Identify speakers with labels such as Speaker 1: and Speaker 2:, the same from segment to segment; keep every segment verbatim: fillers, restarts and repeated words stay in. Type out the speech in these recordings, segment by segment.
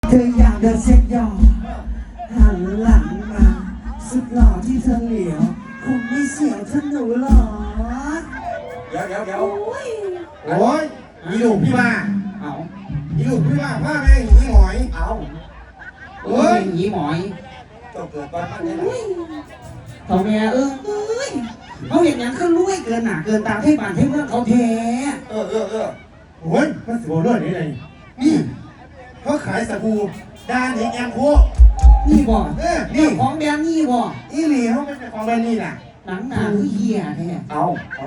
Speaker 1: เธออยากเดินเซ็ตยอหันหลังมาสุดหล่อที่เธอเหลียวคงไม่เสียวเธอหนูหรอ
Speaker 2: เดี๋ยวเดี๋ยวเดี๋ยว
Speaker 1: โอ้ย
Speaker 3: โอ้ยมีลูกพี่มา
Speaker 1: เอา
Speaker 3: มีลูกพี่มาพ่อแม่หนีหอย
Speaker 2: เอา
Speaker 1: โอ้ยหนีหมอย
Speaker 2: เจ้าเกิดบ้านมันเนี่ย
Speaker 1: พ่อแม่เอ้ยเขาเห็นอย่างขึ้นรวยเกินหนาเกินตามให้บ้านให้เมืองเขาแท้
Speaker 2: เออเออเออ
Speaker 3: โอ้ยมันสิบเรื่องนี้เลยนี่เขาขายสบู่ดาหนิงแอมโค
Speaker 1: นี่บ่
Speaker 3: เออนี่
Speaker 1: ของแบรนด์นี่บ่
Speaker 3: อีหลีเขาเป็นของแบรนด์นี่น่ะ
Speaker 1: หนังหนาคือเหี้ยแท้
Speaker 2: เอาเอา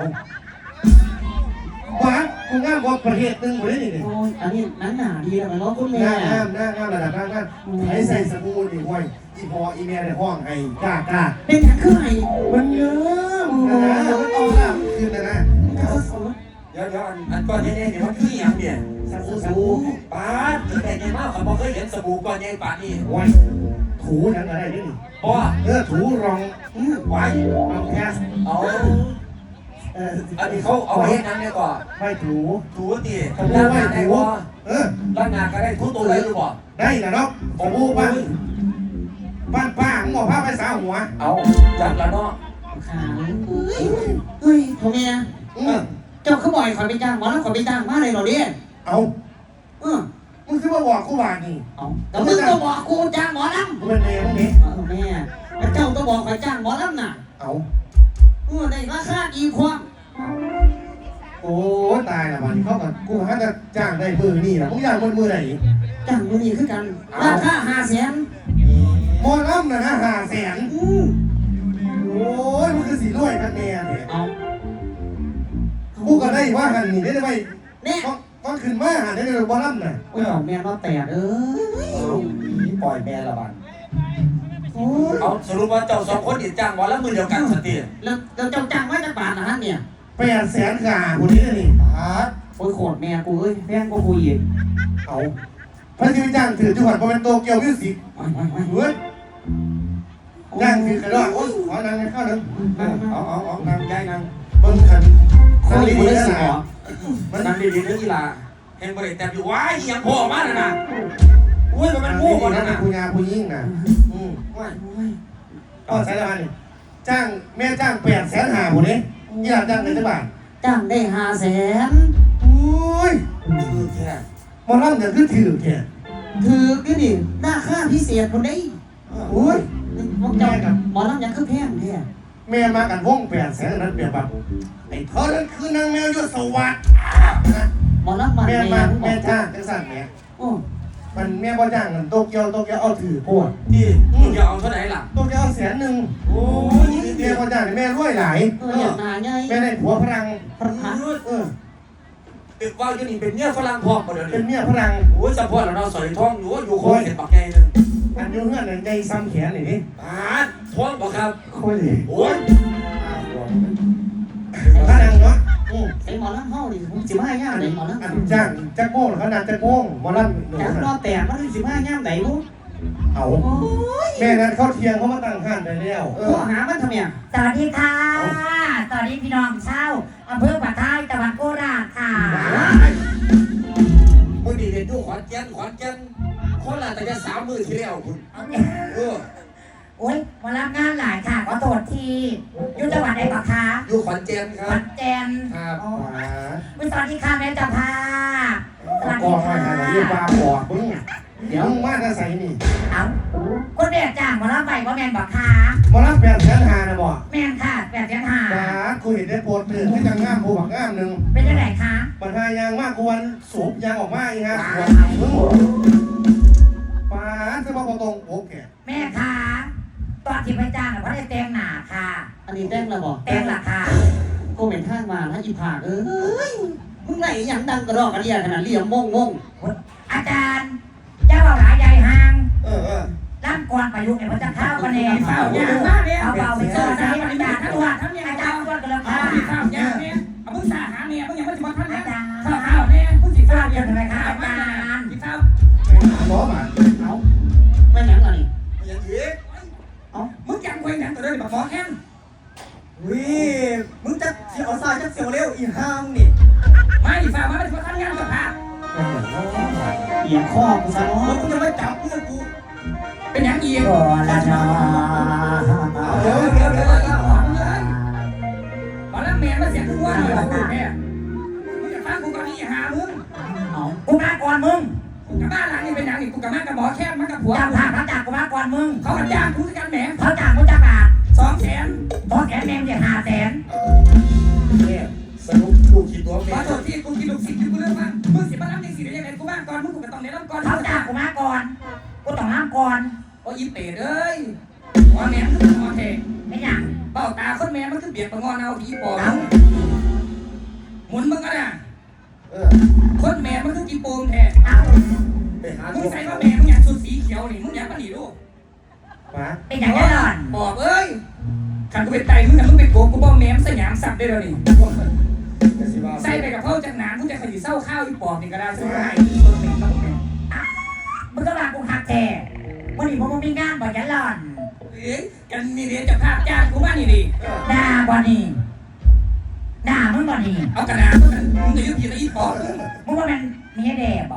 Speaker 3: บ้านกูงามกว่าประเทศนึงหมดเลยนี่
Speaker 1: โอ้ยอันนี้หนังหนาดีแล้วมันล้อคุณแม่
Speaker 3: งามงามงามระดับงามงามใช้ใส่สบู่นี่ห้วยอีพออีเมียในห้องไอ้กล้ากล้า
Speaker 1: เป็นอย่างคือไง
Speaker 3: มันเยอะนะมันเอาละคืนนะนะ
Speaker 2: เดี๋ยวเดี๋ยวอันอันก้อนใหญ่ๆเนี่ยมันคืออย่างเนี่ยสบู่สบู่ป้าแต่ใหญ่มากเขาบอกเคยเห็นสบู่ก้อนใหญ่ป่านนี่
Speaker 3: ว้ยถูนั่นอะไรนี่
Speaker 2: ป้า
Speaker 3: เออถูรอง
Speaker 2: ไว้
Speaker 3: เอาแค่
Speaker 2: เอาอันนี้เขาเอาเห็ดนั่นเนี่ยก่อน
Speaker 3: ไม่ถู
Speaker 2: ถูตีล้างหน้าได้บ่
Speaker 3: เออ
Speaker 2: ล้างหน้าก็ได้ทุกตัวเลยหรือบ่
Speaker 3: ได้นะเนาะสบู่บ้านบ้านป้าหมอผ้าไปสาวหัว
Speaker 2: เอาจับแล้วเนาะ
Speaker 1: ขาเฮ้ยเฮ้ยทำไมนะเจ้าเขาบ่อยขอไปจ้างหมอแล้วขอไปจ้างมาเลยเหรอเนี่ย
Speaker 3: เอา
Speaker 1: เออ
Speaker 3: มึงคือว่าบอกกูว่านี่
Speaker 1: เอาแต่มึงก็บอกกูจ้างหมอลำ
Speaker 3: กูเป็นแม่มึงนี่
Speaker 1: แม่แต่เจ้าต้องบอกขอจ้างหมอลำน่ะ
Speaker 3: เอา
Speaker 1: เออได้ราคาอีความ
Speaker 3: โอ้ตายละมันเขากับกูหาจะจ้างได้มือนี่นะมึงอยากมือมือไหน
Speaker 1: จ้างมือนี่คือกันราคาห้าแสน
Speaker 3: หมอลำนะฮะห้าแสนโอ้ยมันคือสีรวยกันแน่เนี่ย
Speaker 1: เอา
Speaker 3: กูก็ได้ว่าหันนี่ได้ไหม
Speaker 1: เนี่ย
Speaker 3: ตอนขึ้นมาหันได้เลยบอลลัมน่ะ
Speaker 1: โอ้ยแม่ว่าแปดเอ้
Speaker 2: ยปล่อยแม่ละบันเอาสรุปว่าเจ้าสองคนติดจ้างวันละมือเดียวกันสติ
Speaker 1: แล้วแล้วเจ้าจ้างไว้จะบาทนะฮะเนี่ย
Speaker 3: แปดแสนขาคนนี้นี่ฮะ
Speaker 1: โอ้ยโคตรแม่กูเอ้ยแพงกูคุยอีก
Speaker 3: เอาพระที่จ้างถือจังหวัดเป็นโตเกียวมิวสิกเฮ้ยจ้างถือกระดาษโอ้ยขอนางเข้าหนึ่งเอาเอาเอานางใจนางเบิ้งขัน
Speaker 1: นั่งดีๆนะ
Speaker 2: มันนั่งดีๆนะกีฬาเห็นบริแต่อยู่ว้ายยังพ่อมาแล้วนะอุ้ยมันเป็นงูก่อนนะ
Speaker 3: นะผู้ยาผู้ยิ่งนะอืมว้ายก็ใช่แล้วนี่จ้างแม่จ้างแปดแสนหาหมดเลยยี่ห้อจ้างในจังหวัด
Speaker 1: จ้างได้ห้าแสน
Speaker 3: อุ้ย
Speaker 2: ถือแค่
Speaker 3: มอลล์จะขึ้นถือแค่
Speaker 1: ถือก็ดิหน้าค่าพิเศษคนนี้
Speaker 3: อุ้ย
Speaker 1: มอลล์กับมอลล์ยังคือแพงแท้
Speaker 3: แม่มากันวงแปดแสนนั้นเปรียบแบบไอ้เธอนั้นคือนางแมวยศสวัสดิ์
Speaker 1: หมอลำมัน
Speaker 3: แม่มาแม่จ้างจังสั่นแม่
Speaker 1: โอ้
Speaker 3: มันแม่บ่จ้างเงินโตเกียวโตเกียวเอาถือโพด
Speaker 2: ที่จะเอาเท่าไหร่ล่ะ
Speaker 3: โตเกียวเอาแสนหนึ่งโอ้ยแม่บ่จ้างแม่รวยหลาย
Speaker 1: เอออย่างนาไง
Speaker 3: แม่ได้ผัวพลัง
Speaker 1: พลัง
Speaker 3: เออ
Speaker 2: ติดว่าอยู่นี่เป็นเมียฝรั่งทองประเดี๋ยว
Speaker 3: เป็นเมียพลัง
Speaker 2: โอ้ยเฉพาะเราสอยทองอยู่อยู่คอยเห็นปากไงนึง
Speaker 3: อันอยู่เงื่อนในซ้ำแขนนี่นี่
Speaker 2: อ่าทองบอกครับ
Speaker 3: โอ้ย
Speaker 2: โอ้ย
Speaker 3: พลังเนาะ
Speaker 1: ไอ้หมอลำเฮาดิผมสิบห้าย่ามไหนหมอลำ
Speaker 3: อันจ้างจักโม่หรือขนาดจักโม่หมอลำ
Speaker 1: จากรอบแปดมาถึงสิบห้าย่ามไหนลูก
Speaker 3: เอาแม่นั้นเขาเทียงเขามาตั้งห้านไปแล้ว
Speaker 1: เออหามันทำไม
Speaker 4: สวัสดีค่ะสวัสดีพี่น้องเช่าอำเภอปากใต้จังหวัดโคราชค่ะ
Speaker 2: มือดีเด็ดดูขวัญเจนขวัญเจนคนละแต่จะสามมือที่แล้วคุณเออ
Speaker 4: โอ้ยมารับงานหลายค่ะขอโทษทีอยู่จังหวัดไหนปะคะ
Speaker 2: อยู่ขวัญเจนครับ
Speaker 4: ขวัญเจน
Speaker 2: ครับ
Speaker 4: สวัสดีค่ะแม่จ่าพา
Speaker 3: สวัสดีค่ะเรียกว่าบอกมึงเดี๋ยวมึงมาจะใส่นี่
Speaker 4: เอาคนเด็กจ้างมารับไปว่าแมนบอกค่ะ
Speaker 3: มารับแปดแสนหานะบอก
Speaker 4: แมนค่ะแปดแสนหา
Speaker 3: บ้าคุยได้โปรดตื่นให้ยังง่ามผู้บักง่ามหนึ่ง
Speaker 4: เป็นยังไงคะ
Speaker 3: ปัญหายางมากกวนสูบยางออกมาอีกฮะป้าจะมาตรงโอเค
Speaker 4: แม่ค่ะตอนที่ไปจ้างเพราะได้แต่งหน้าค่ะ
Speaker 1: อันนี้แต่งแล้วบอก
Speaker 4: แต่งละค่ะ
Speaker 1: กูเหม็นข้างมาแล้วอีผากเอ้ยมึงไหนอย่างดังกระรอกกระเดียขนาดเรียมมงมง
Speaker 4: อาจารย์เจ้าเอาหลายใหญ่ห่าง
Speaker 3: เออเออ
Speaker 4: ร่างกวนประยุกต์เนี่ยมันจะเข้ากันเองเฝ้าเนี่ยเอาเบาไปเจอจะให้อาจารย์ตัวทั้งยังอาจารย์ตัวกันแล้วค่ะ
Speaker 1: เฝ้าเนี่ยเอามึงสาหาเนี่ยมึงยังไม่ถึงวันท่านอาจารย์เฝ้าเฝ้าเนี่ยมึงสิเฝ้าเนี่ยทำไมคะอาจารย์สิเฝ้า
Speaker 3: หมอมา
Speaker 1: เอาไม่ยังไง
Speaker 2: ยังอีก
Speaker 1: เอามึงยังคุยกันตัวเดิมแบบฟอแค้น
Speaker 5: วิมึงจะเสียวซายจะเสียวเร็วอีห้ามนี่
Speaker 1: ไม่ฝ่ามาเป็นคนทำงานกับพาเอียงข้อกูซะเนาะ
Speaker 5: มึงจะไม่จับ
Speaker 4: โอ้ละนอ
Speaker 2: เดี๋ยวเดี๋ยวเดี๋ยวเดี๋ยว
Speaker 6: มาแล้วแม่มาเสียงทุกวันเลยกูแม่มึงจะฟังกูก่อนนี่หามึง
Speaker 4: กูมาก่อนมึง
Speaker 6: กูกับบ้านหลังนี้เป็นอย่างนี้กูกับแม่กับหมอแค่มากับผัว
Speaker 4: จ้างภาพเขาจ้างกูมาก่อนมึง
Speaker 6: เขากันจ้างกูกันแหม
Speaker 4: เขาจ้างกูจ้างบาท
Speaker 6: สองแสน
Speaker 4: ตอนแขนแมงจะห้าแสน
Speaker 2: เนี่ยสรุปกูคิดตัว
Speaker 6: ข
Speaker 2: แม่
Speaker 6: อโทษที่กูกินลูกศิษย์กูเรื่องบ้างมึงสิมารับยังสิได้ยังไงกูบ้างก่อนมึงกูก็ต้องเน้นรับก่อน
Speaker 4: เขาจ้างกูมาก่อนกูต้องน้ำก่อน
Speaker 6: โอ้ยเป๋เลยหัวแม่มันคือหัวเท
Speaker 4: ไม่อย่าง
Speaker 6: เบ้าตาคนแม่มันคือเบียดประงอนเอาผีปอบหมุนมึงก็น่ะ
Speaker 3: เออ
Speaker 6: คนแม่มันคือกีโปงแท้
Speaker 4: เอา
Speaker 2: ไปหา
Speaker 6: มึง
Speaker 2: ตัว
Speaker 6: ใส่ว่าแม่มึงอยากสุดสีเขียวนี่มึงอยากมาหนีลูก
Speaker 3: มา
Speaker 4: เป็นอย่างนี้หล่อน
Speaker 6: ปอบเอ้ยขันกูเป็นไตมึงแต่มึงเป็นโกกูบอกแม่มสยามสับได้แล้วนี่
Speaker 2: จะสิว่า
Speaker 6: ใส่ไปกับเพ้าจากหนานกูจะขยี้เศร้าข้าวอีปอบนี่ก็ได้ใช่ไหม
Speaker 4: มึงก็มากูหักแท้วันนี้ผมมีงานบ่ยันหล่อน
Speaker 6: เอ้ยกันนี่เดี๋ยวจะภาพจ้างกูมานี่ดิ
Speaker 4: ด่าบ่นี่ด่ามึงบ่นี่
Speaker 6: เอากระดาษมึงมึงจะยึดผิดแล้วอีปอบ
Speaker 4: มึงว่ามันมีให้แด่บ่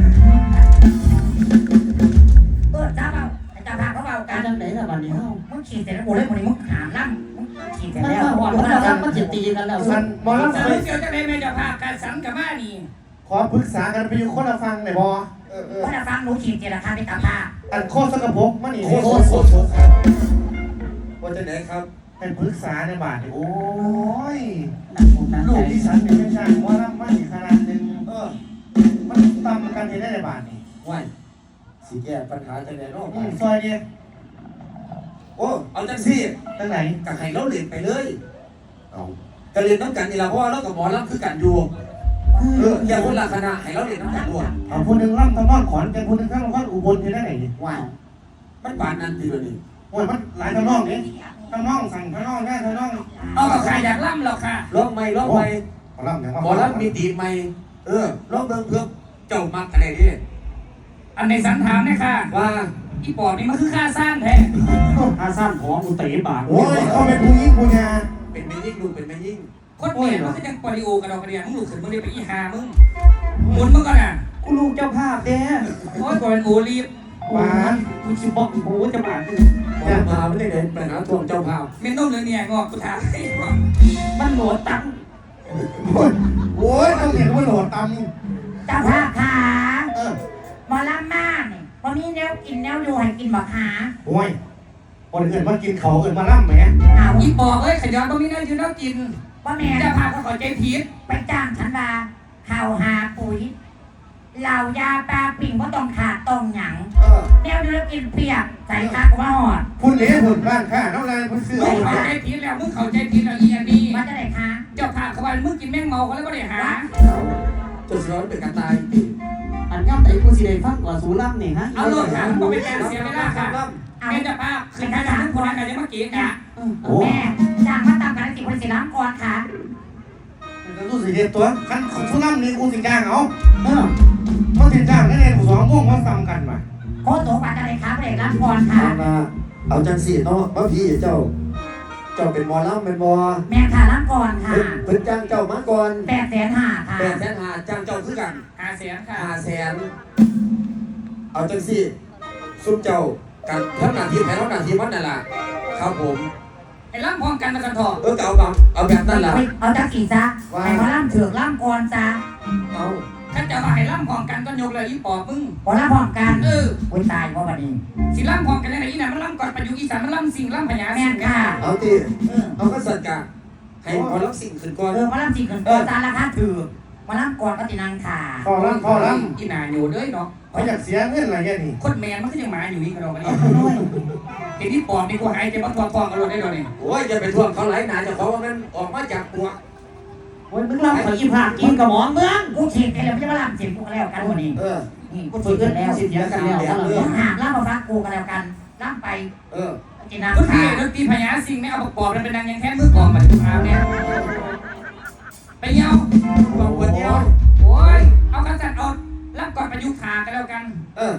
Speaker 4: เออจ้าเบาไอ้จ้าพาเขาเบากัน
Speaker 7: จังไหนล่ะบัดนี้เฮา
Speaker 4: มึงขี่เสร็จแล้วกูเลยมึงมึงหามล่ำมึงขี่เสร็จ
Speaker 7: มัน
Speaker 4: แล้ว
Speaker 7: มาหอดมันมารับมันสิตีกันแล้ว
Speaker 3: สันหมอลำ
Speaker 6: สา
Speaker 3: ไป
Speaker 6: รุปเดียวจะได้แม่จะภาพการสังกับมานี่
Speaker 3: ขอปรึกษากันไปอยู่คนละฟังหน่อยบอเออเออ
Speaker 4: เพราะถ้าฟังหนูขี่เจราคาไปตามภาพ
Speaker 3: อันโคตรสกปรกมันนี่
Speaker 2: โคตรโคตรโคตรโคตรว่าจะไหนครับ
Speaker 3: เป็นปรึกษาในบาทนี่โอ้ย
Speaker 7: ผมนั่ง
Speaker 3: ลู
Speaker 7: ใจ
Speaker 3: กที่ฉันเป็นช่างหมอลำมาอีกขนาดหนึ่งเออมันตำกันเห็นได้ในบาทนี่
Speaker 2: ว่าสิแก้ปัญหาจะไหนเนาะ
Speaker 3: อืมซอยเนี่ย
Speaker 2: โอ้เอาจังซี่
Speaker 3: ตั้งไหน
Speaker 2: กับให้เราเรียนไปเลย
Speaker 3: เอา
Speaker 2: ก็เรียนน้ำกันนี่ละเพราะว่าเรากับหมอลำคือกันอยู่เอออย่าคนละคณะให้เราเรียนน้ำกันด้วย
Speaker 3: เอาคนหนึ่งล่ำทำนอนขอนเป็นคนหนึ่งข้างทำนอนอุบลเห็นได้ไหนนี่
Speaker 2: ว่ามันบานนั่นทีเดียวนี่
Speaker 3: โอ้ยมันหลายทำนองนี่ทำนองสั่งทำนองได้ทำนอง
Speaker 6: เอากับใครอยากล่ำหรอกค่ะ
Speaker 2: ร้องไม่ร้องไม่
Speaker 3: หมอลำอย่าง
Speaker 2: หมอลำมีตีไม่เออร้องเบิ่งเพื่อเจ้ามักอะไรนี่
Speaker 6: อันในสันถามเนี่ยค่ะ
Speaker 2: ว่า
Speaker 6: อีปอบนี่มันคือค่าสร้างแท้
Speaker 7: อาซ้ำของกูเตะบาด
Speaker 3: โอ้ยเขาเป็นผู้หญิงผู้ยา
Speaker 2: เป็นไม่ยิ่งลูกเป็นไม่ยิ่ง
Speaker 6: คนแม่มันคือยังปริโอกันเรากระเดียมึงลูกขึ้นมึงเรียกไปอีหามึงหมุนมึงก็น่ะ
Speaker 7: กูลูกเจ้าภาพเด้
Speaker 6: โอ้ยกูเป็นโอลีฟ
Speaker 7: หวานกูสิบอกโอ้จะบาด
Speaker 2: หมอลำมาไม่ได้เดินไปหาทวงเจ้าภาพ
Speaker 6: เมนต้มเลยเนี่ยงอกกูถาม
Speaker 7: มันโหลดตัง
Speaker 3: โอ้ยโอ้ยต้องเห็นว่าโหลดต
Speaker 4: เจ้าภาพขา
Speaker 3: ำเออ
Speaker 4: หมอลำมากนี่พอมีแนวกินแนวอยู่ให้กินบ่ขา
Speaker 3: โอ้ยคนอื่นมากินเขาอื่นมาล่ำไหม
Speaker 4: เอา
Speaker 6: อีปอบเอ้ยขยันตรงนี้นะยืนแล้วกิน
Speaker 4: ว่าแม่
Speaker 6: จะพาเขาขอใจผิด
Speaker 4: ไปจ้างฉันมาข่าวหาปุ๋ยเหล่ายาปลาปิ่งก็ต้องขาดต้องหยัง
Speaker 3: เออ
Speaker 4: แนวเดือกินเปียกใส่คากูมาหอด
Speaker 3: พุ่นเหลี้ยพุ่นบ้านข้าน้ำลายพุ่นเสื้อ
Speaker 6: มึงเข้าใจผิดแล้วมึงเข้าใจผิดแล้วอีอันนี้
Speaker 4: มาจะได้คะ
Speaker 6: เจ้าพาเขาไปมึงกินแมงเมาเขาแล้วก็ได้หา
Speaker 2: จนร้อนเป็นการตาย
Speaker 7: อันย่ำไหนกูสิได้ฟังกว่าสูรับนี่ฮะ
Speaker 6: เอาโลดค่ะบอกเป็นการเสียเวลาค่ะ
Speaker 4: เอา
Speaker 6: แม่เจ้าภาพคือการทำทุกคนกันจะมาเกะกะ
Speaker 3: โอ้
Speaker 4: แม่จ้างมาตามกันสิคนสิล้างก่อนค่ะ
Speaker 3: จะรู้สึกเด็ดตัวคันสุนัขนี่กูสิจ้างเอา
Speaker 7: เออ
Speaker 3: เขาสิจ้างได้เลยสองม่วงมาซ้ำกันมา
Speaker 4: โคตรโตกว่าจะได้ครับเด็กล้างก่อนค่ะ
Speaker 2: เอามาเอาจังสี่เนาะบางทีเจ้า เจ้าเป็นหมอลำเป็นบอ
Speaker 4: แม่ค่ะล้างก่อนค่ะ
Speaker 2: เพิ่นเพิ่นจ้างเจ้ามาก่อน
Speaker 4: แปดแสนห้าค่ะ
Speaker 2: แปดแสนหาจ้างเจ้าคือกัน
Speaker 6: หาเสียงค่ะ
Speaker 2: ห้าแสนเอาจังสี่ซุ่มเจ้ากันทั้งหน้าที่แทนทั้งหน้าที่มันนั่นล่ะครับผม
Speaker 6: ไอ้ล่ำพร้อมกันนะกันทอ
Speaker 2: เออก็เอาแบบเอาแบบนั้นล่ะ
Speaker 4: เอาจักกี่ซะให้เขาล้างเถือกล้างก่อนซะ
Speaker 2: เอา
Speaker 6: ถ้าจะมาให้ล่ำพร้อมกันก็ยกเลยอีปอบมึง
Speaker 4: พอล้างพร้อมกัน
Speaker 6: เออ
Speaker 4: อุ้ยตายเพราะวันนี้
Speaker 6: สิล่ำพร้อมกันยังไงอีน่ะมันล่ำก่อนประยุกต์อีสานมันล่ำสิ่งล่ำพญา
Speaker 4: แม่
Speaker 6: สิ่ง
Speaker 4: ค่ะ
Speaker 2: เอาตี
Speaker 4: เออ
Speaker 2: เอาก็สัตว์กะให้หมอลำสิ่งขึ้นก่อน
Speaker 4: เออมาล้างจริงกันก่อนซะราคาถือมาล้างก่อนก็ตินังค่ะ
Speaker 3: พอล่ำพอล่
Speaker 6: อีน่าอยู่เด้ยเนาะ
Speaker 3: ำเขาอยากเสียเงินอะไรแค่นี้
Speaker 6: คนแมนมันก็ยังมาอยู่นี่กันเราเนี่ยเห็นที่ปอบนี่กูหายใจมันทวงทองกันเลยได้เลย
Speaker 2: โอ้ยจะไปทวงเขาไหลหนาเจะเขาว่ามันออกมาจากปวก
Speaker 7: โอ้ยมึงรับขออีภาคกินกับหมอเมือง
Speaker 4: กูฉีดไปแล้วไม่ใช่มาล้างเสียงกูก็แล้วกันวันนี้
Speaker 2: เออ
Speaker 4: นี่กู
Speaker 7: กู
Speaker 4: ฉี
Speaker 7: ฝึ
Speaker 4: ด
Speaker 7: ก
Speaker 4: ไป
Speaker 7: กัน
Speaker 4: แล้ว
Speaker 7: สิเดียวกันแล้วกัน
Speaker 4: เดี๋ยวหามล้างมาฟักกูก็แล้วกันล้างไป
Speaker 2: เออ
Speaker 4: ตินัง
Speaker 6: ก็คือ
Speaker 4: ค่ะ
Speaker 6: ดนตรีพญาสิ่งไม่เอาปอบมันเป็นนางยังแค่มือกองมาถึงอาเนี่ยไปเยา
Speaker 2: ลองวันเดียว
Speaker 6: โอ้ยเอากันจัดเอารับก่อนประยุกต์ขากันแล้วกัน
Speaker 2: เออ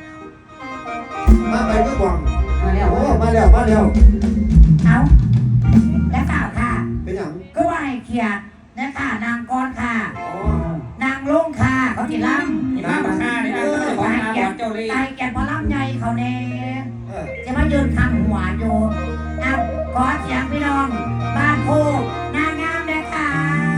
Speaker 2: มาไปก็หวัง
Speaker 7: มาแล้ว
Speaker 2: โอ้มาแล้วมาแล้ว
Speaker 4: เอาและข่าวค่ะ
Speaker 2: เป็นอย่าง
Speaker 4: ก็ว่าให้เขียดนะค่ะนางกรค่ะ
Speaker 2: อ๋อ
Speaker 4: นางลงค่ะเขาที่ล้ำ
Speaker 6: นี่มาบักฆ่านี่นะก็จะบอก
Speaker 4: ให้
Speaker 6: นา
Speaker 4: เกีย
Speaker 6: บ
Speaker 4: ร
Speaker 6: อกเจ้าเลย
Speaker 4: ให้เกียรติพอล้ำใหญ่เขาแน่
Speaker 2: เออ
Speaker 4: จะมายืนคำหัวอยู่เอาขอเสียงพี่น้องบ้านโพนางงามเลยค่ะ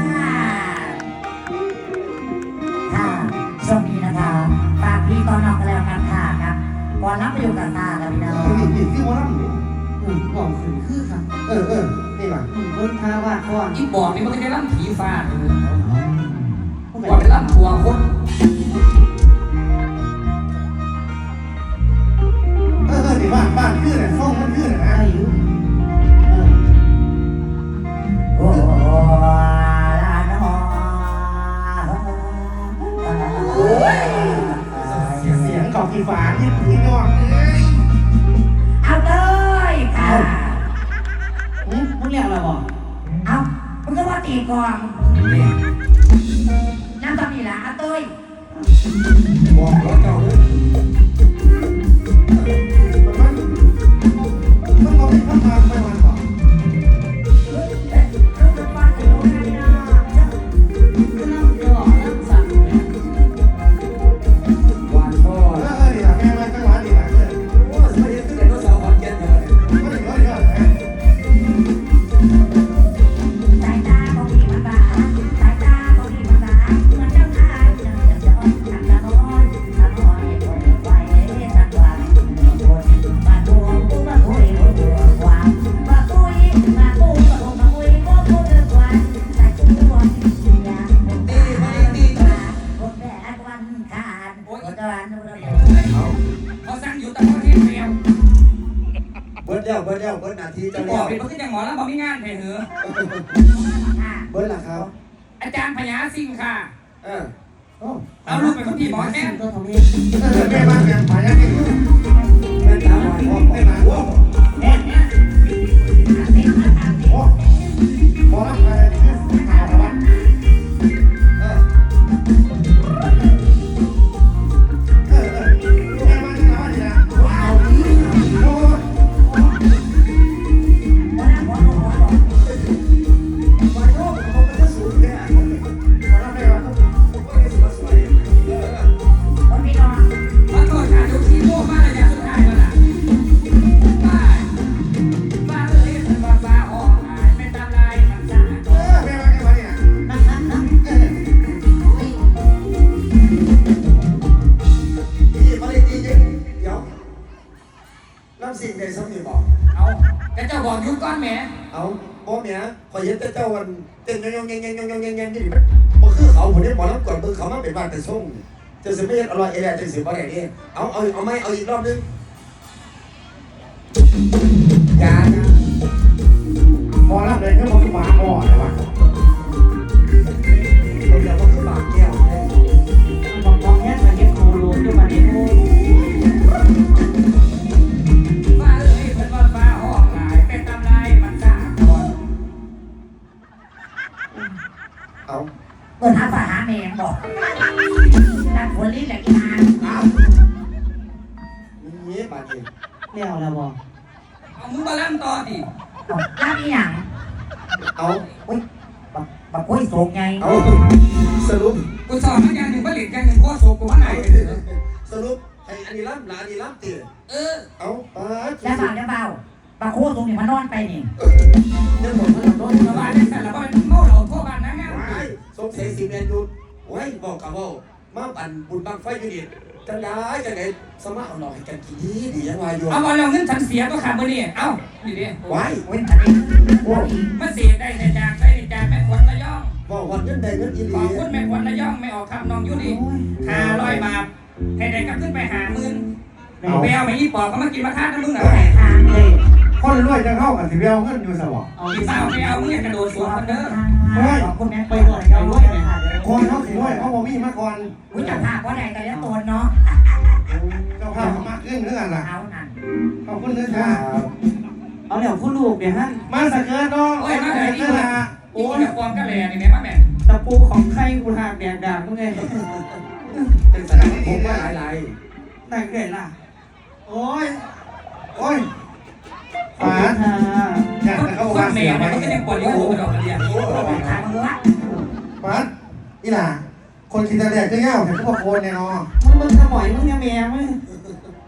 Speaker 4: ค่ะช่วงนี้นะคะฝากพี่ตอนนอกกันแล้วกันค่ะครับก่อนรับไปอยู่กับตาครับพี่น้อง
Speaker 3: นี่นี่ที่ว่าล่ำนี่
Speaker 7: อืมบอกขึ้นคือค่ะ
Speaker 3: เออเออนี่ว่ะ
Speaker 7: อืมเบิ่งท่าว่าก่อน
Speaker 6: อีบอกนี่มันก็ได้ล่ำผีฟ้าเลยว่าไปล่ำตัวคน
Speaker 3: เออเออนี่บ้านบ้านขึ้นน่ะห้องมันขึ้นน่ะนะ
Speaker 7: ได้อยู่เออ
Speaker 4: โอ้ลาโน
Speaker 3: เสียงเสียงกอบกีฝาที่พี่น้องเอ้ย
Speaker 4: เอาเลยค่ะ
Speaker 7: อืมมึงเรียกอะไรบ่
Speaker 4: เอามึงก็ว่าตีกองน้ำตอนนี้ล่ะเอาเต้ย
Speaker 2: บอกรถเก่าเลย
Speaker 3: มันมันบอกให้ข้ามทางไปมันบอก
Speaker 4: ลูกบอลถึงรู้นะพี่น้อง
Speaker 7: ก็น้ำเดือดน้ำสั่นเนี่ย
Speaker 2: วันพ่อ
Speaker 3: เออเออนี่ล่ะแม่มาจังหวะนี่ล่ะเออ
Speaker 2: โอ้สมัยนี้ขึ้นไดโนเสาร์ขอนแก่นเลย
Speaker 3: ก็ได้ก็ได้นะ
Speaker 4: สายตาของพี่มันบาสายตาของพี่มันบาเหมือนเจ้าชายเจ้าเจ้าทำตาโน้นตาโน้นให้คนไฟสักวันคนมาทวงกูมาคุยกูตัวความมาคุยมาคุยมาคุยมาคุยกูกูเดือดวันแต่กูวันอยากเป็นตาดีมาคนแรกวันขาดคนตะวันนู้น
Speaker 6: เขาสั่งอยู่แต่เขาเทศเดียว
Speaker 2: เบิร์ดแล้วเบิร์ดแล้วเบิร์ดนาที
Speaker 6: จะ
Speaker 2: จะ
Speaker 6: บ
Speaker 2: แล้
Speaker 6: อก
Speaker 2: ว
Speaker 6: เป็นเพราะที่ยังหมอแล้วบอกไม่งานให้เหรอ
Speaker 2: เบิร์ดล่ะครับ
Speaker 6: อาจารย์พญาสิงห์ค่ะ
Speaker 2: เออ
Speaker 3: โอ้
Speaker 6: เอาลูกเป็นคนที่หมอแน่น
Speaker 7: ก็ทำให้
Speaker 3: เออแม่มาแม่ผายังนี่
Speaker 2: แม่ตาหวานพ่อ
Speaker 3: แม่มาโอ้
Speaker 4: เอ๊ะเนี่ยเต็มมาตามเต็ม
Speaker 3: โอ้พอแล้วไปคือข่าวละวัน
Speaker 2: เออ
Speaker 3: เออเออแม่มาจังหวะนี่นะว้าวโอ้
Speaker 4: หัวหน้าหัวหน้าหัวหน้า
Speaker 2: วันพ่อผมก็จะสูงแค่
Speaker 3: พอแล้วแม่มา
Speaker 2: ก็ได้สวยสวยเออ
Speaker 4: คนพี่น้อง
Speaker 6: มาโทษค่ะดูที่โม่มาระยะสุดท้ายแล้วล่ะบ้าบ้าเลยเป็นบ้าบ้าออกหายไม่ตามลายมันซ่า
Speaker 3: เออแม่มาจังหวะนี่นะ
Speaker 7: นั่งนั่งนั่ง
Speaker 3: เออ
Speaker 2: พี่มาเลยดีจริงเดี๋ยวน้ำสิ่งใดสำนีบอก
Speaker 6: เอาแต่เจ้าบอกยุดก้อนแหม
Speaker 2: เอาพ่อเมียขอยเห็นแต่เจ้าวันเต้นยองๆๆๆๆๆๆๆนี่มันบ่คือเขาผมได้หมอลำก่อนเบิ่งเขามาเป็นบ้านแต่ส่งจะสิไม่เฮ็ดอร่อยเอแลจังสิบ่ได้นี่เอาเอาเอาไหมเอาอีกรอบนึงอย่าอย่า
Speaker 3: พอแล้วเลยก็บอกหมาอ่อนเลยวะ
Speaker 2: เราอย่ามาคือปากแก้วแท้
Speaker 7: บอกบอกแค่มาเก็บโคโลอยู่มาเนี่ยโอ้
Speaker 6: บ้าเลยเป็นบ้าบ้าออกหายเป็นตามลายมันซ่าก่อน
Speaker 2: เอา
Speaker 4: เปิดหาฝาหาแมงบอกนั่งหัวลิ้นแหละกินหาง
Speaker 2: เอามีบาดนี้
Speaker 7: เรียกอะไรบ่
Speaker 6: เอามึงมาล่ำต่อดิ
Speaker 4: รับอีหยัง
Speaker 2: เอา
Speaker 4: อุ้ยบักบักอุ้ยโศกไง
Speaker 2: เอาสรุป
Speaker 6: กูสอนมาอย่างหนึ่งผลิตอย่างหนึ่งก็โศกกูว่าไหน
Speaker 2: สรุปให้อันนี้ล้ำหลานอันนี้ล้ำตี
Speaker 6: เออ
Speaker 2: เอาปาด
Speaker 4: แล้วเบาแล้วเบาบักโคตรงนี้มานอนไปนี่
Speaker 2: เรื่องหมดแล้ว
Speaker 6: โดนมาบ้านได้แต่ละบ้านเมาเหล้าทั่วบ้านนะงาน
Speaker 2: ว้ายสงสัยสิเมียนอยู่ไว้บอกกับว่ามาปั่นบุญบังไฟอยู่นี่จังได้จังไดสมาเอาหน่อยให้กันกินดีดียังว่าอยู่
Speaker 6: เอาบอลเราเงินฉันเสียก็ขาดมือนี่เอ้าดีดิ
Speaker 2: ไว้
Speaker 4: เว้นอันนี้โอ้ย
Speaker 6: มันเสียได้ในจางได้ในจางแม่ขวัญระยอง
Speaker 2: บอกวันเงินใดเงินอีห
Speaker 6: ข
Speaker 2: ลี
Speaker 6: อบคุณแม่ขวัญระยองไม่ออกคำน้องอยู่ดีห้าร้อยบาทให้ได้กลับขึ้นไปหาหมื่นแมวไม่ยี่ปอกก็มากินมาฆ่าทั้งมึงเหรอ
Speaker 4: แต่ทาง
Speaker 7: เฮ้ย
Speaker 3: คนรวยจะเข้ากับสิเบลเงินอยู่สวะ
Speaker 7: เอา
Speaker 6: อี
Speaker 7: ที่
Speaker 6: สา
Speaker 7: สาว ว
Speaker 6: ไม่เอามึงอยากกระโดดสวนคนเด้อ
Speaker 4: ขอบคุณแม่
Speaker 7: ไปบ่เอาด้วยเนี่ย
Speaker 3: คนเขาสิรวยเขาบ่มีมาก่อน
Speaker 4: อุ้ยจับผ้าก็ได้กันแล้วตัวเนาะ
Speaker 3: เจ้าภาพเขามากขึ้นเรื่องอะไรล่ะ
Speaker 4: เอานั่น
Speaker 3: ขอบคุณนะจ๊ะ
Speaker 7: เอาแล้วผู้ลูกเนี่ยฮะ
Speaker 3: มาสักเกินเนาะ
Speaker 6: โอ้ยมาไหน
Speaker 3: สัก
Speaker 6: นี่
Speaker 3: เกิน
Speaker 6: มา
Speaker 3: ละ
Speaker 6: โอ้ยความกระแลนี่แม่มาแม่
Speaker 7: ตะปูของใครกูหากแดกดากมึงไง
Speaker 2: เป็นสถานที่ผมว่าหลาย
Speaker 7: ไหนเกิดล่ะ
Speaker 3: โอ้ยโอ้ย
Speaker 7: ขอบ
Speaker 3: ป๋า
Speaker 7: คุณค่ะ
Speaker 3: อยากจะเข้า
Speaker 6: ค
Speaker 3: บ้าน น
Speaker 6: แม่
Speaker 3: เสียไหม
Speaker 6: มันก็ยังปวดอยู่หัวดอกกระเดีย
Speaker 2: ๆโอ้
Speaker 4: ทางวัด
Speaker 3: ป๋าอีหล่าคนคิดแต่แดกจะเง่าแต่ก็บอกโคนเนี่ยเนาะ
Speaker 7: มึงมึงขโมยมึงเนี่ยแม่มึง
Speaker 3: เ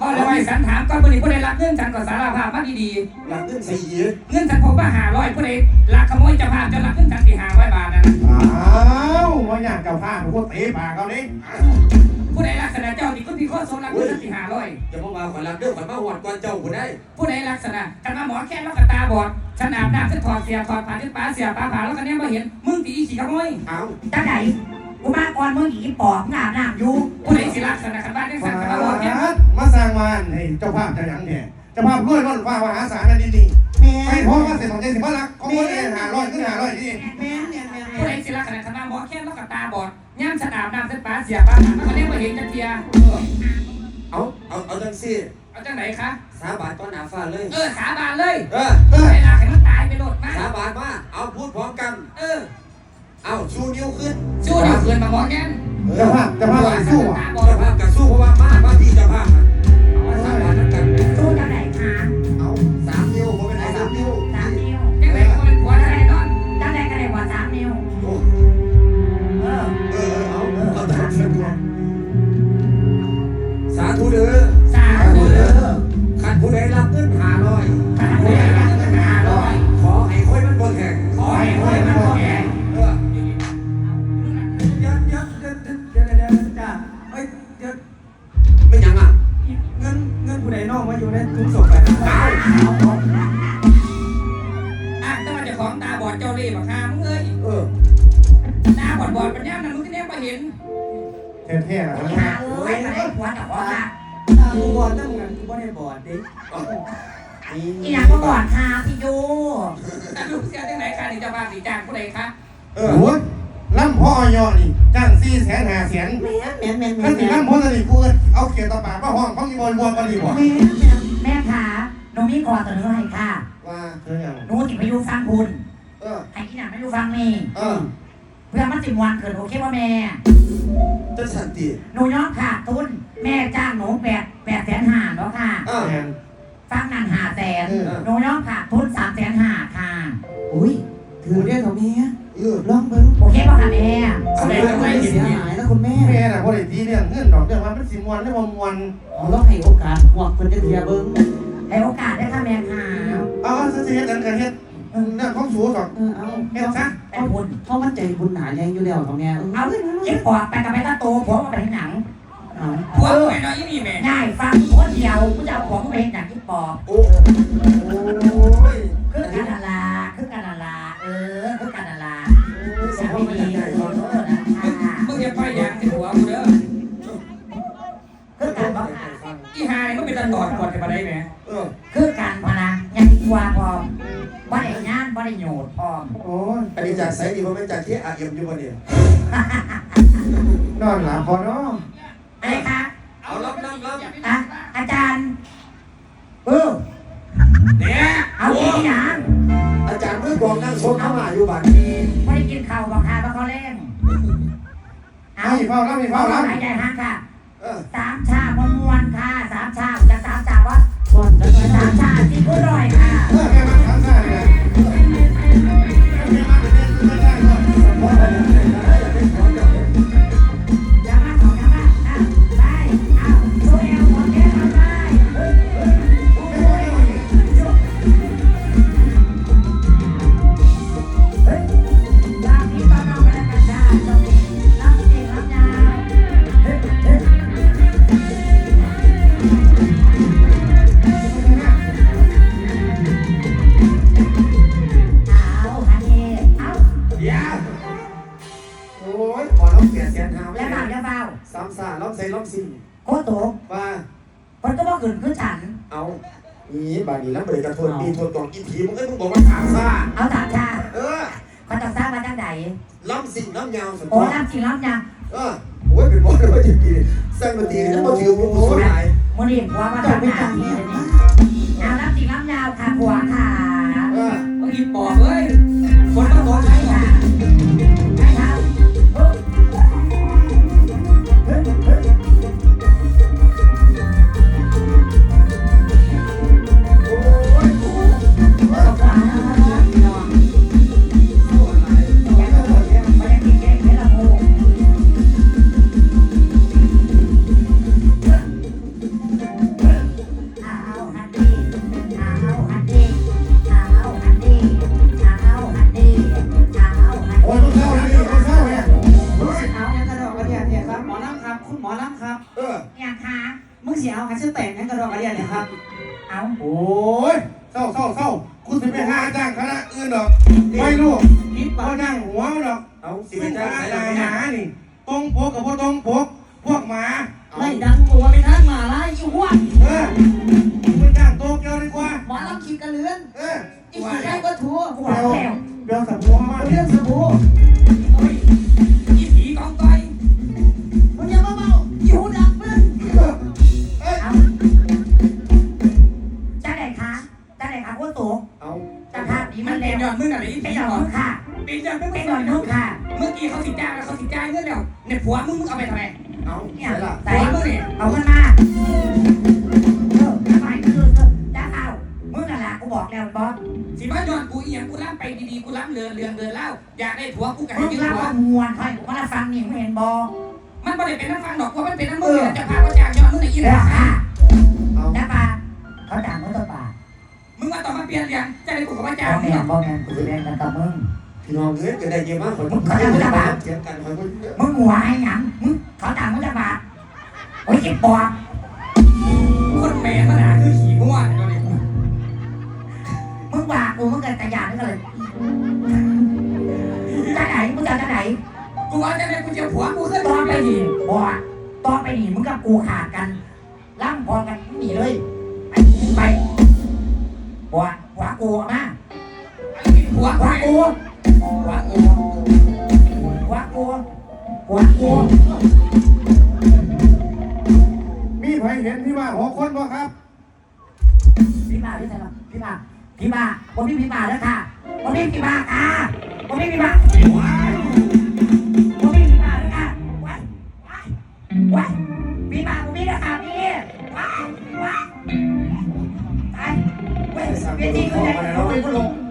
Speaker 6: แล้วไอ้สันถามก่อนผู้ใดผู้ใดรักเงินฉันก็สารภาพมาดี
Speaker 2: หลังเงินสี่
Speaker 6: ๆเงินฉันผมว่าหาร้อยผู้ใดรักขโมยจะพาจะรักเงินฉันสี่หาร้อยบาทนะ
Speaker 3: อ้าวว่าอยากกับผ้าผมก็เตะปากเขาดิ
Speaker 6: ผู้ใดลักษณะเจ้าที่คุณพี่ข้อสมรักเงินฉันสี่หาร้อย
Speaker 2: อย่ามาว่าขวัญรักเด้อขวัญมาหวดก่อนเจ้าผู้ได้
Speaker 6: ผู้ใดลักษณะกันมาหมอแค่แล้วก็ตาบอดฉันอาบน้ำฉันถอดเสียถอดผ้าฉันป้าเสียป้าผ่าแล้วก็เนี่ยมาเห็นมึงตีอีขี่ขโมย
Speaker 2: เอา
Speaker 4: จังไหนกูมาก่อนมึงอีปอบงาบน้ำอยู่
Speaker 6: ผู้ใดสิลักษณะกันบ้านได้สั่งกันมาบอกเนี่ย
Speaker 3: มาสร้างมันให้เจ้าภาพจะยังเนี่ยเจ้าภาพรวยล้นฟ้ามหาศาลนั่นดีๆ
Speaker 7: แม่
Speaker 3: ไม่พอมาเสร็จของใจสิบ้ารักของคนเองหาร้อยขึ้นหาร้อยนี่
Speaker 7: แม่เนี่ยแม่
Speaker 6: ผู้ใดสิลักษณะกันมาหมอแค่แล้วก็ตาบอดย่ำฉันอาบน้ำฉันป้าเสียป้าผ่าแล้วก็เนี่ยมาเห็นจักเทีย
Speaker 2: เอาเอาเอาจังสิ
Speaker 6: เอาจังไหนคะ
Speaker 2: สาบานต้อนหน้าฟ้าเลย
Speaker 6: เออสาบานเลย
Speaker 2: เออ
Speaker 6: เวลาให้มันตายไปโลดมา
Speaker 2: สาบานมาเอาพูดพร้อมกัน
Speaker 6: เออ
Speaker 2: เอาชูนิ้วขึ้น
Speaker 6: สู้เดี๋ยวเกินมาหมอแค่
Speaker 3: เจ้าภาพเจ้าภาพอะไรสู้อ่ะ
Speaker 6: ตาบอด
Speaker 2: เจ้าภาพกับสู้เพราะว่ามาว่าพี่เจ้าภาพอะเอาสาบานนั่นกัน
Speaker 4: สู้จังไหนคะ
Speaker 2: เอาสามนิ้วผมเป็นไอ้สามนิ้ว
Speaker 4: สามนิ้ว
Speaker 6: จังไหนก็เป็นผัวได้นอน
Speaker 4: จังไหนก็ได้กว่าสามนิ้ว
Speaker 2: โอ้
Speaker 4: เออ
Speaker 2: เออเอาเอาตามสะดวกสาธุเด้อ
Speaker 6: สาธุเด้อ
Speaker 2: ขันผู้ใดรับเงินหาร้อย
Speaker 6: ข้าพเจ้าอยากเงินห้าร้อย
Speaker 2: ขอให้ค่อยมันบ่แข็ง
Speaker 6: ขอให้รวยมันบ่แก่
Speaker 2: เออ
Speaker 5: เดี๋ยวเดี๋ยวเดี๋ยวเดี๋ยวเดี๋ยวจ้าเอ้ยเดี๋ยว
Speaker 2: ไม่ยังอ่ะ
Speaker 5: เงินเงินผู้ใดนอกมาอยู่ในทุนศพไปนะ
Speaker 2: เอา
Speaker 6: อ่ะแต่ว่าเจ้าของตาบอดเจ้าเล่ห์บักฮามึงเอ้ย
Speaker 2: เออ
Speaker 6: ตาบอดบอดปัญญานั่นมึงที่แน่มาเห็น
Speaker 3: เท่ๆนะ
Speaker 4: อีหาเอ้ยก็ได้ผัวกับพ่อละ
Speaker 5: ตากูบอดนั่งกันกูบ่ได้บอดดิ
Speaker 4: อีหยังก็บอดค่ะพี่ยู
Speaker 6: แต่ลูกเสียจังไหนคะนี่เจ้าบ้านนี่จ้างผู้ใดคะ
Speaker 2: เออ
Speaker 3: โอ้ยล่ำพ่อยอนี่จ้างสี่แสนห้าแสน
Speaker 7: แม่แม่แม่แม่
Speaker 3: ถ้าสิ
Speaker 7: แม่
Speaker 3: ล่ำพ่อจะดีกูเอาเขียนต่อปากมาห้องเขามีบอลบวมกันดีกว่า
Speaker 4: แม่ขาหนูมีขอเสนอให้ค่ะ
Speaker 2: ว่า
Speaker 3: เธออย่าง
Speaker 4: หนูสิไปอยู่ฟังคุณ
Speaker 2: เออ
Speaker 4: ให้ที่หนังไม่อยู่ฟังนี่
Speaker 2: เออ
Speaker 4: เพื่อมันสิมวันเกิดโอเคว่าแม่
Speaker 2: จะสันติ
Speaker 4: หนูย้อนขาดทุน แม่จ้างหนูแปดแปดแสนห้าเนาะค่ะ
Speaker 2: เออ
Speaker 3: แมน
Speaker 4: ฟังนั่นห้าแสน
Speaker 2: เออ
Speaker 4: หนูย้อนขาดทุนสามแสนห้าค่ะ
Speaker 7: อุ้ยถือได้เถอะแม่
Speaker 2: เออ
Speaker 7: ลองเบิ่ง
Speaker 4: โอเคป่ะค่ะแม่
Speaker 7: แสดงว่าไม่เสียหายแล้วคุณแม่
Speaker 3: แม่น่ะพ่อได้ตีเรื่องเงื่อนดอกเรื่องว่ามันสิมวนได้บ่มวน
Speaker 7: เอาลองให้โอกาสหวกเพิ่นจะเทียเบิ่ง
Speaker 4: ให้โอกาสได้ค่ะแม่ค่ะ
Speaker 3: เอาสิเฮ็ดกันกันเฮ็ดเรื่องของสูดอก
Speaker 7: เออเอา
Speaker 3: เฮ็ดซะ
Speaker 4: ไปบุญ
Speaker 7: เพราะมันใจบุญหนาแรงอยู่แล้วของแม่
Speaker 4: เอาเก็บปอดไปกับไปตาโตผมมาไปที่หนัง
Speaker 7: เอา
Speaker 6: ผัวไปหน่อยอีนี่แม่
Speaker 4: ง่ายฟังคนเดียวกูจะเอาของไปเห็นอย่างที่ปอบ
Speaker 2: โอ้โอ้ย
Speaker 4: คือกันนาลาคือกันนาลาเออคือกันนาลา
Speaker 2: สมมติมันใหญ่ๆก่อน
Speaker 4: เออนะคะ
Speaker 6: มึงอย่าไปอย่างที่ผัวกูเด้อ
Speaker 4: คือกันบ่ค่ะ
Speaker 6: อีหานี่มันเป็นตาตอดกอดกันมาได้ไหม
Speaker 2: เออ
Speaker 4: คือกันพอนะยังดีกว่าพร้อมบ่ได้งานบ่ได้โยดพร้อม
Speaker 3: โอ้ย
Speaker 2: อันนี้จากไซดีผมเป็นจากที่อาเอ็มอยู่บนเนี่ย
Speaker 3: นอนหลับพอเนาะ
Speaker 4: อะไรคะ
Speaker 2: เอารับรับรับ
Speaker 4: อ่ะอาจารย์เออ
Speaker 6: เนี่ย
Speaker 4: เอาที่หนัง
Speaker 2: อาจารย์มือกองนั่งชมเข้ามาอยู่บ้าน
Speaker 4: บ่ได้กินข้าวบ่ค่ะบ่เขาเล่นเอา
Speaker 3: ไม่เฝ้ารับไม่เฝ้ารับ
Speaker 4: หายใจห้างค่ะ
Speaker 2: เออ
Speaker 4: สามชาบมวนๆค่ะสามชาจะสามชาว่า
Speaker 7: ก่อนแล้วก็
Speaker 4: สามชาที่อร่อยค่ะ
Speaker 3: เออแม่มาทำซ่าเลยแม่มาเป็นเรื่องได้ก่อน
Speaker 4: อย่ามาของอย่ามาอ่ะไปเอาโชว์เอวหมดแก้วไปเฮ้ยเฮ้ยเฮ้ยลาพี่ตอนนอนกันกันจ้าสวัสดีรับจริงรับยาวเฮ้ยเฮ้ยเอาฮันนี่เอา
Speaker 2: เดี๋ยวโอ้ยขอรับเกียรติแสนหาไม่
Speaker 4: อย่า
Speaker 2: ได้
Speaker 4: เบาอย่าเบา
Speaker 2: สามสาล้อมใส่ล้อมสี่
Speaker 4: โคตรโต
Speaker 2: ว่า
Speaker 4: มันก็บอกอื่นคือฉัน
Speaker 2: เอานี่บานี้แล้วเบรกกระทวนปีทวนกองอีทีมึงก็มึงบอกว่าสามซา
Speaker 4: เอาสามชา
Speaker 2: เออ
Speaker 4: เขาจะสร้างมาจากไหน
Speaker 2: ล้อมสิ่งล้อมยาวสุด
Speaker 4: โอ้น้ำจริงน้ำยัง
Speaker 2: เออโอ้ยเป็นบอลเลยว่าจะกินสร้างดนตรีแล้วมาถือมึงสลาย
Speaker 4: มันเรียกว่ามา
Speaker 7: เจ้า
Speaker 4: ทำ
Speaker 7: ไป
Speaker 4: งา
Speaker 7: จั
Speaker 4: น
Speaker 7: ง
Speaker 4: นี่
Speaker 7: เนี่ย
Speaker 4: เลยนี่เอาน้ำจริงน้ำยาวค่ะหัวค่ะ
Speaker 2: เออ
Speaker 6: มึงอีปอบเอ้ยคนมาตอดใช้ก่อน
Speaker 4: ใช่ครับเฮ้ยเฮ้ยเฮ้ย
Speaker 2: โอ้ย
Speaker 4: เอาขวาพี่น้องอย่าโดดอย่าไม่ได้กินแกงเห็ดละโมเ
Speaker 7: เสียเอาหาเส้นแตกงั้นกระดอกกระเดียเนี่ยครับ
Speaker 4: เอา
Speaker 3: โอ้ยเศร้าเศร้าเศร้าคุณสิไปหาจ้างคณะอื่นหรอกไม่รู้
Speaker 7: คิด
Speaker 3: เขา
Speaker 7: ว่า
Speaker 3: จ้างหัวหรอก
Speaker 2: เอาสิ
Speaker 3: สิ
Speaker 2: ไป
Speaker 3: เป็น
Speaker 2: จ้า
Speaker 3: จ้าง ง
Speaker 2: ใคร
Speaker 3: ห
Speaker 2: ล่ะ
Speaker 3: นานี่ตรงปกกับพวกตรงปกพวกหมา
Speaker 7: ไล่ดังตัวไปทางหมาไล่อีหัว
Speaker 3: เออไปจ้างโตเกียวดีกว่า
Speaker 7: หมอลำขีดกระเลือน
Speaker 3: เออ
Speaker 7: อีกได้ก็ถูก
Speaker 4: กูบอกแล้ว
Speaker 3: เบลสับหัวมา
Speaker 7: เรื่องสบู่
Speaker 6: เฮ้ยอีผีกองต้อย
Speaker 7: มึงอย่ามาเมาอีหูดังมึง
Speaker 4: เอาจ้าไหนคะจ้าไหนคะคุณตู่
Speaker 2: เอา
Speaker 4: จ้าภาพนี้
Speaker 6: มั
Speaker 4: มัน น
Speaker 6: เป็
Speaker 4: เป็น น
Speaker 6: ยอดมึงอะไรอี
Speaker 4: เป็
Speaker 6: ผี
Speaker 4: นหยอด
Speaker 6: หรอ
Speaker 4: มึงค่ะ
Speaker 6: เป็นยอดมึง
Speaker 4: เป็นหยอดมึงค่ะ
Speaker 6: เมื่อกี้เขาสิจ้างแล้วเขาสิจ้างเงินแล้วเนี่ยผัวมึงมึงเอาไปทำไม
Speaker 2: เอา
Speaker 4: เนี่ย
Speaker 2: ใช่ล่ะ
Speaker 4: ใส่
Speaker 6: ผัวมึงเนี่ย
Speaker 4: เอาขึ้นมาเออทำไมคือจ้าเอามึงนั่นแหละกูบอกแล้วบอส
Speaker 6: สิมายอดกูอีหยังกูล้ำไปดีๆกูล้ำเรือนเรือนเรือนเล่าอยากได้ผัวกูก็
Speaker 4: มึ
Speaker 6: ให้
Speaker 4: ง
Speaker 6: ยืม
Speaker 4: เล่า
Speaker 6: ผัว
Speaker 4: ว่ามวนใครกูมาฟังนี่มึงเห็นบอ
Speaker 6: มันไม่ได้เป็นน้ำฟังดอกเพราะมันเป็นน้ำมือจะพาเขาจ้างยอดมึงในอีห
Speaker 4: เดี๋ยว
Speaker 6: ล่า
Speaker 4: ค่ะ
Speaker 2: เอา
Speaker 4: จ้าปาเขาด่ามึงตัวปา
Speaker 6: มึงมาต่อมาเปลี่ยนเรียงจะได้กูกับว่า
Speaker 4: บ
Speaker 6: จ้าง
Speaker 4: อ
Speaker 6: มึ
Speaker 4: แม่
Speaker 6: ง
Speaker 4: บอแม่กูจะเล่นกันกับมึง
Speaker 2: พี่น้องเอ้ยจะได้เยอะมากคนเถียงกันคนคนเยอะ
Speaker 4: มึงหัวให้หยังมึงเขาด่ามึงจะปาโอ้ยเจ็บปอด
Speaker 6: คนแม่มันหาคือขี่ง่วงตัวนี้
Speaker 4: มึงว่ากูมึงเกิดตะยานนี่ก็เลยจ้าไหนมึงจะจ้าไหน
Speaker 6: กูว่าจะได้กูเจอผัวกูขึ้น
Speaker 4: ตอนไปหนีบอดตอนไปหนีมึงกับกูขาดกันล่ำพอกันหนีเลยไปไปบอดหัวกูมา
Speaker 6: ผัว
Speaker 4: หัว
Speaker 6: กู
Speaker 4: กูหัวกูหัวกูหัวกู
Speaker 3: มีใครเห็นพี่มาหกคนบ่ครับ
Speaker 4: พี่มาพี่ไหนล่ะพี่มาพี่มาผมพี่พี่มาแล้วค่ะผมพี่พี่มาค่ะผมพี่พี่มาผมพี่พี่มาแล้วค่ะว้ายว้ายว้ายพี่มาผมพี่แล้วค่ะพี่ว้ายว้ายตายเว้ยเวทีก็ได้ลงไปก็ลง